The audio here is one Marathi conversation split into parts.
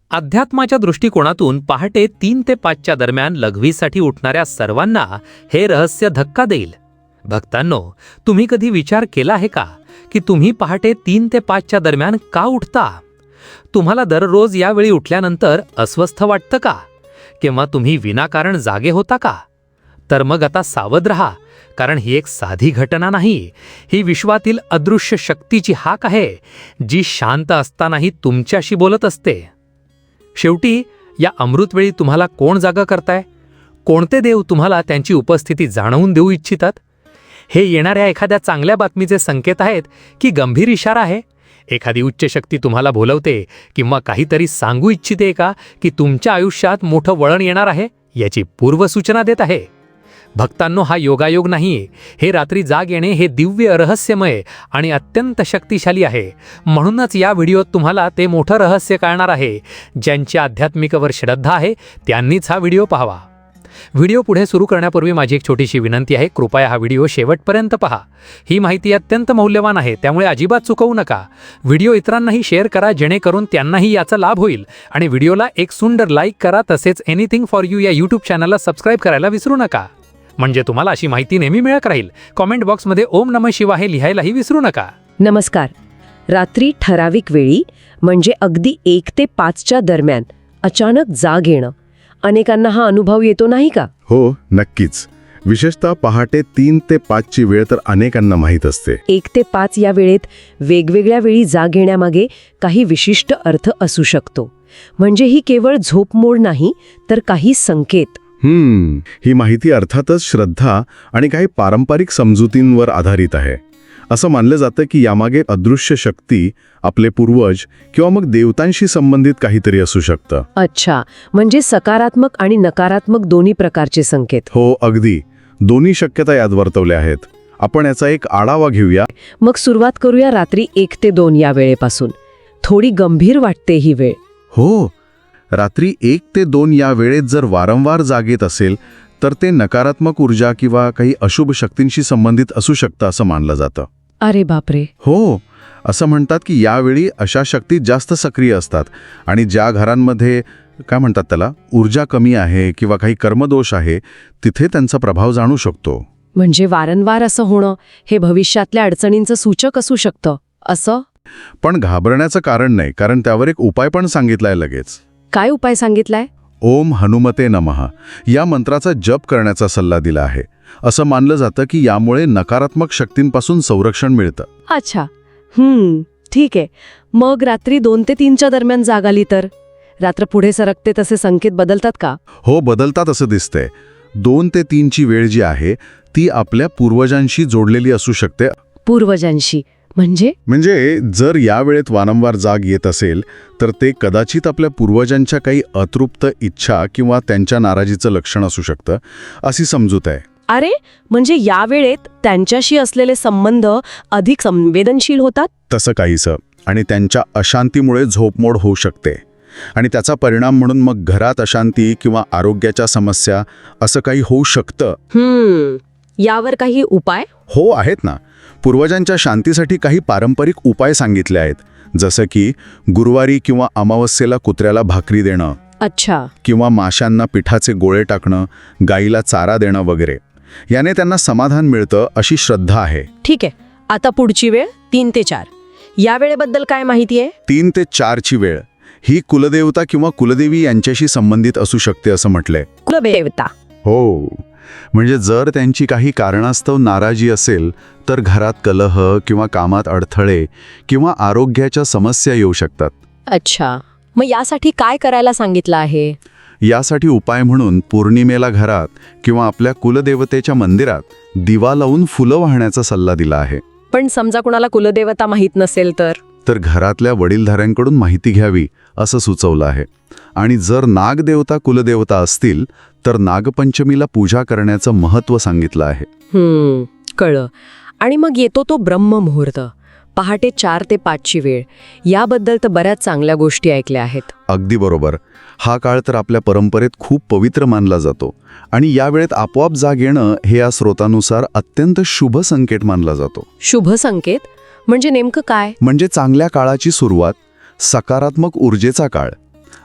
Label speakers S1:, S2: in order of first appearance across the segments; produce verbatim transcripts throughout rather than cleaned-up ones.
S1: अध्यात्माच्या दृष्टिकोनातून पहाटे तीन ते पाचच्या दरम्यान लघवीसाठी उठणाऱ्या सर्वांना हे रहस्य धक्का देईल. भक्तांनो, तुम्ही कधी विचार केला आहे का की तुम्ही पहाटे तीन ते पाचच्या दरम्यान का उठता? तुम्हाला दररोज यावेळी उठल्यानंतर अस्वस्थ वाटतं का? किंवा तुम्ही विनाकारण जागे होता का? तर मग आता सावध रहा, कारण ही एक साधी घटना नाही. ही विश्वातील अदृश्य शक्तीची हाक आहे, जी शांत असतानाही तुमच्याशी बोलत असते. शेवटी या अमृतवेळी तुम्हाला कोण जागा करताय? कोणते देव तुम्हाला त्यांची उपस्थिती जाणवून देऊ इच्छितात? हे येणाऱ्या एखाद्या चांगल्या बातमीचे संकेत आहेत की गंभीर इशारा आहे? एखादी उच्च शक्ती तुम्हाला बोलवते किंवा काहीतरी सांगू इच्छिते का की तुमच्या आयुष्यात मोठं वळण येणार आहे, याची पूर्वसूचना देत आहे? भक्तांनो, हा योगायोग नाही. हे रात्री जाग येणे हे दिव्य, रहस्यमय आणि अत्यंत शक्तिशाली आहे. म्हणूनच या व्हिडिओत तुम्हाला ते मोठं रहस्य कळणार आहे. ज्यांची आध्यात्मिकवर श्रद्धा आहे त्यांनीच हा व्हिडिओ पाहावा. व्हिडिओ पुढे सुरू करण्यापूर्वी माझी एक छोटीशी विनंती आहे. कृपया हा व्हिडिओ शेवटपर्यंत पहा. ही माहिती अत्यंत मौल्यवान आहे, त्यामुळे अजिबात चुकवू नका. व्हिडिओ इतरांनाही शेअर करा, जेणेकरून त्यांनाही याचा लाभ होईल. आणि व्हिडिओला एक सुंदर लाईक करा. तसेच एनिथिंग फॉर यू या यूट्यूब चॅनलला सबस्क्राईब करायला विसरू नका, म्हणजे तुम्हाला अशी माहिती नेहमी मिळत राहील. कॉमेंट बॉक्समध्ये ओम नमः शिवाय लिहायलाही विसरू नका.
S2: नमस्कार. रात्री ठराविक वेळी, म्हणजे अगदी एक ते पाचच्या दरम्यान अचानक जाग येणं, अनेकांना हा अनुभव येतो नाही का?
S3: हो, नक्कीच. विशेषतः पहाटे तीन ते पाचची वेळ तर अनेकांना माहीत असते.
S2: एक ते पाच या वेळेत वेगवेगळ्या वेळी जाग येण्यामागे काही विशिष्ट अर्थ असू शकतो. म्हणजे ही केवळ झोपमोड नाही, तर काही संकेत.
S3: हम्म ही माहिती अर्थातच श्रद्धा आणि काही पारंपरिक समजुतींवर आधारित आहे. असं मानलं जातं की यामागे अदृश्य शक्ती, आपले पूर्वज किंवा मग देवतांशी संबंधित काहीतरी असू शकतं.
S2: अच्छा, म्हणजे सकारात्मक आणि नकारात्मक दोन्ही प्रकारचे संकेत.
S3: हो, अगदी. दोन्ही शक्यता यात वर्तवल्या आहेत. आपण याचा एक आढावा घेऊया.
S2: मग सुरुवात करूया रात्री एक ते दोन या वेळेपासून. थोडी गंभीर वाटते ही वेळ.
S3: हो, रात्री एक ते दोन या वेळेत जर वारंवार जाग येत असेल तर ते नकारात्मक ऊर्जा किंवा काही अशुभ शक्तींशी संबंधित असू शकतं असं मानलं जातं.
S2: अरे बापरे.
S3: हो, असं म्हणतात की यावेळी अशा शक्ती जास्त सक्रिय असतात आणि ज्या घरांमध्ये काय म्हणतात त्याला ऊर्जा कमी आहे किंवा काही कर्मदोष आहे, तिथे त्यांचा प्रभाव जाणू शकतो.
S2: म्हणजे वारंवार असं होणं हे भविष्यातल्या अडचणींचं सूचक असू शकतं असं?
S3: पण घाबरण्याचं कारण नाही, कारण त्यावर एक उपाय पण सांगितलाय लगेच.
S2: काय उपाय सांगितलाय?
S3: ओम हनुमते नमः या मंत्राचा जप करण्याचा सल्ला दिला आहे. असं मानलं जातं की यामुळे नकारात्मक शक्तींपासून संरक्षण मिळतं.
S2: अच्छा, हम्म ठीक आहे. मग रात्री दोन ते तीनच्या दरम्यान जाग आली तर रात्र पुढे सरकते तसे संकेत बदलतात का?
S3: हो, बदलतात असं दिसतंय. दोन ते तीनची वेळ जी आहे ती आपल्या पूर्वजांशी जोडलेली असू शकते.
S2: पूर्वजांशी म्हणजे?
S3: म्हणजे जर या वेळेत वारंवार जाग येत असेल तर ते कदाचित आपल्या पूर्वजांच्या काही अतृप्त इच्छा किंवा त्यांच्या नाराजीचं लक्षण असू शकतं, अशी समजूत आहे.
S2: अरे, म्हणजे या वेळेत त्यांच्याशी असलेले संबंध अधिक संवेदनशील होतात?
S3: तसं काहीसं. आणि त्यांच्या अशांतीमुळे झोपमोड होऊ शकते आणि त्याचा परिणाम म्हणून मग घरात अशांती किंवा आरोग्याच्या समस्या असं काही होऊ शकतं.
S2: हम्म यावर काही उपाय?
S3: हो, आहेत ना. पूर्वजांच्या शांतीसाठी काही पारंपरिक उपाय सांगितले आहेत, जसं की गुरुवारी किंवा अमावस्येला कुत्र्याला भाकरी देणं.
S2: अच्छा.
S3: किंवा माशांना पिठाचे गोळे टाकणं, गाईला चारा देणं वगैरे. याने त्यांना समाधान मिळतं अशी श्रद्धा आहे.
S2: ठीक आहे. आता पुढची वेळ तीन ते चार या वेळेबद्दल काय माहिती आहे?
S3: तीन ते चारची वेळ ही कुलदेवता किंवा कुलदेवी यांच्याशी संबंधित असू शकते असं म्हटलंय.
S2: कुलदेवता?
S3: हो, म्हणजे जर त्यांची काही कारणास्तव नाराजी असेल तर घरात कलह किंवा कामात अडथळे किंवा आरोग्याच्या समस्या येऊ शकतात.
S2: अच्छा, मग यासाठी काय करायला सांगितलं आहे?
S3: यासाठी उपाय म्हणून पौर्णिमेला घरात किंवा आपल्या कुलदेवतेच्या मंदिरात दिवा लावून फुलं वाहण्याचा सल्ला दिला आहे.
S2: पण समजा कुणाला कुलदेवता माहीत नसेल तर?
S3: तर घरातल्या वडीलधाऱ्यांकडून माहिती घ्यावी असं सुचवलं आहे. आणि जर नागदेवता कुलदेवता असतील तर नागपंचमीला पूजा करण्याचं महत्त्व सांगितलं आहे.
S2: हम्म कळलं. आणि मग येतो तो ब्रह्ममुहूर्त, पहाटे चार ते पाचची वेळ. याबद्दल तर बऱ्याच चांगल्या गोष्टी ऐकल्या आहेत.
S3: अगदी बरोबर. हा काळ तर आपल्या परंपरेत खूप पवित्र मानला जातो आणि या वेळेत आपोआप जाग येणं हे या स्रोतानुसार अत्यंत शुभ संकेत मानला जातो.
S2: शुभ संकेत म्हणजे नेमकं काय?
S3: म्हणजे चांगल्या काळाची सुरुवात, सकारात्मक ऊर्जेचा काळ.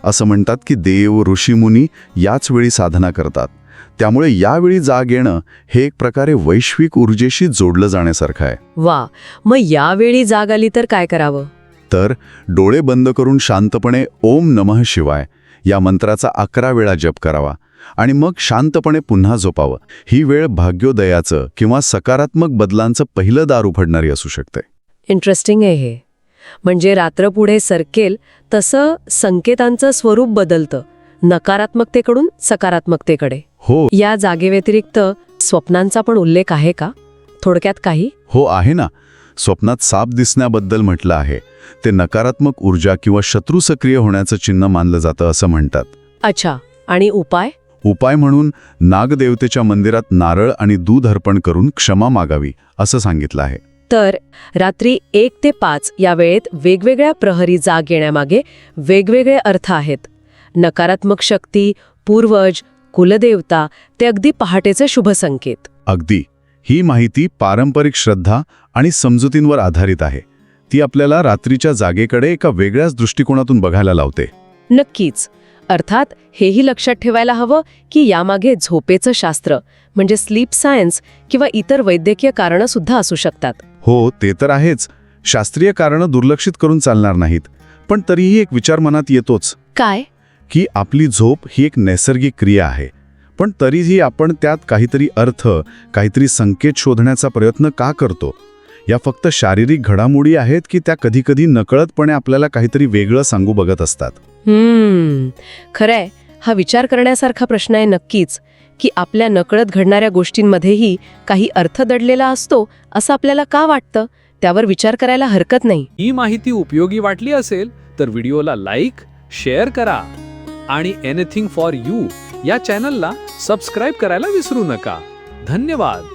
S3: असं म्हणतात की देव ऋषीमुनी याच वेळी साधना करतात. त्यामुळे यावेळी जाग येणं हे एक प्रकारे वैश्विक ऊर्जेशी जोडलं जाण्यासारखं आहे.
S2: वा, मग यावेळी जाग आली तर काय करावं?
S3: तर डोळे बंद करून शांतपणे ओम नमः शिवाय या मंत्राचा अकरा वेळा जप करावा आणि मग शांतपणे पुन्हा झोपावं. ही वेळ भाग्योदयाचं किंवा सकारात्मक बदलांचं पहिलं दार उघडणारी असू शकते.
S2: इंटरेस्टिंग आहे हे. म्हणजे रात्र पुढे सरकेल तसं संकेतांचं स्वरूप बदलतं, नकारात्मकतेकडून सकारात्मकतेकडे.
S3: हो
S2: या जागेव्यतिरिक्त स्वप्नांचा पण उल्लेख आहे का? थोडक्यात काही?
S3: हो आहे ना. स्वप्नात साप दिसण्याबद्दल म्हटलं आहे. ते नकारात्मक ऊर्जा किंवा शत्रू सक्रिय होण्याचं चिन्ह मानलं जातं असं म्हणतात.
S2: अच्छा, आणि उपाय?
S3: उपाय म्हणून नागदेवतेच्या मंदिरात नारळ आणि दूध अर्पण करून क्षमा मागावी असं सांगितलं आहे.
S2: तर रात्री एक ते पाच या वेळेत वेगवेगळ्या प्रहरी जाग येण्यामागे वेगवेगळे अर्थ आहेत. नकारात्मक शक्ती, पूर्वज, कुलदेवता ते अगदी पहाटेचे शुभ संकेत.
S3: अगदी. ही माहिती पारंपरिक श्रद्धा आणि समजुतींवर आधारित आहे. ती आपल्याला रात्रीच्या जागेकडे एका वेगळ्याच दृष्टिकोनातून बघायला लावते.
S2: नक्कीच. अर्थात हेही लक्षात ठेवायला हवं की यामागे झोपेचं शास्त्र म्हणजे स्लीप सायन्स किंवा इतर वैद्यकीय कारणं सुद्धा असू शकतात.
S3: हो ते तर आहेच. शास्त्रीय कारणं दुर्लक्षित करून चालणार नाहीत. पण तरीही एक विचार मनात येतोच
S2: काय?
S3: की आपली झोप ही एक नैसर्गिक क्रिया आहे. पण तरीही आपण त्यात काहीतरी अर्थ, काहीतरी संकेत शोधण्याचा प्रयत्न का करतो? या फक्त शारीरिक घडामोडी आहेत की त्या कधीकधी नकळतपणे आपल्याला काहीतरी वेगळं सांगू बघत असतात?
S2: हम्म खरंय. हा विचार करण्यासारखा प्रश्न आहे नक्कीच, की आपल्या नकळत घडणाऱ्या गोष्टींमध्येही काही अर्थ दडलेला असतो असं आपल्याला का वाटतं? त्यावर विचार करायला हरकत नाही.
S1: ही माहिती उपयोगी वाटली असेल तर व्हिडिओला लाईक, शेअर करा आणि एनिथिंग फॉर यू या चॅनलला सबस्क्राईब करायला विसरू नका. धन्यवाद.